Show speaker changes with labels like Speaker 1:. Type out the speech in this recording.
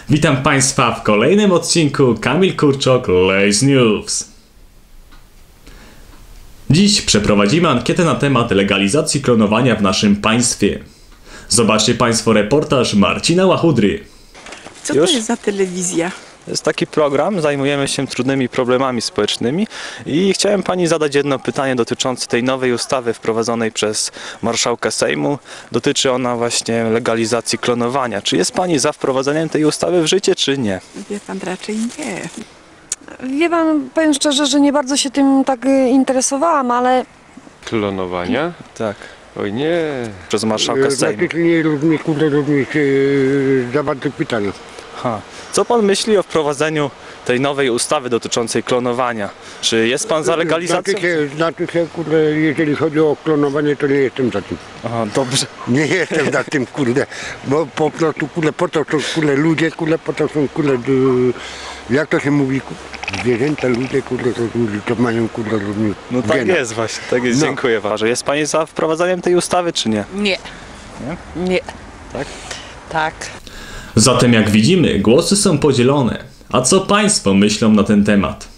Speaker 1: Witam Państwa w kolejnym odcinku Kamil Kurczok Lace News. Dziś przeprowadzimy ankietę na temat legalizacji klonowania w naszym państwie. Zobaczcie Państwo reportaż Marcina Łachudry.
Speaker 2: Co to jest za telewizja?
Speaker 3: To jest taki program, zajmujemy się trudnymi problemami społecznymi i chciałem Pani zadać jedno pytanie dotyczące tej nowej ustawy wprowadzonej przez marszałka Sejmu. Dotyczy ona właśnie legalizacji klonowania. Czy jest Pani za wprowadzeniem tej ustawy w życie, czy nie?
Speaker 2: Wie pan, raczej nie.
Speaker 4: Wie pan, powiem szczerze, że nie bardzo się tym tak interesowałam, ale
Speaker 5: Klonowania?
Speaker 3: Tak,
Speaker 5: Oj nie.
Speaker 3: przez marszałka Sejmu.
Speaker 6: Nie również zawartych pytań.
Speaker 3: Co Pan myśli o wprowadzeniu tej nowej ustawy dotyczącej klonowania? Czy jest Pan za legalizacją?
Speaker 6: Znaczy się, kurde, jeżeli chodzi o klonowanie, to nie jestem za tym.
Speaker 3: Aha, dobrze.
Speaker 6: Nie jestem za tym, kurde, bo po prostu, kurde, po to są, kurde, ludzie, kurde, po to są, kurde, jak to się mówi, zwierzęta, ludzie, kurde, to mają, kurde, również
Speaker 3: No tak
Speaker 6: gena.
Speaker 3: jest właśnie, tak jest.
Speaker 6: No.
Speaker 3: Dziękuję bardzo. Jest Pani za wprowadzaniem tej ustawy, czy nie?
Speaker 2: Nie. Nie.
Speaker 3: Tak?
Speaker 2: Tak.
Speaker 1: Zatem jak widzimy, głosy są podzielone. A co Państwo myślą na ten temat?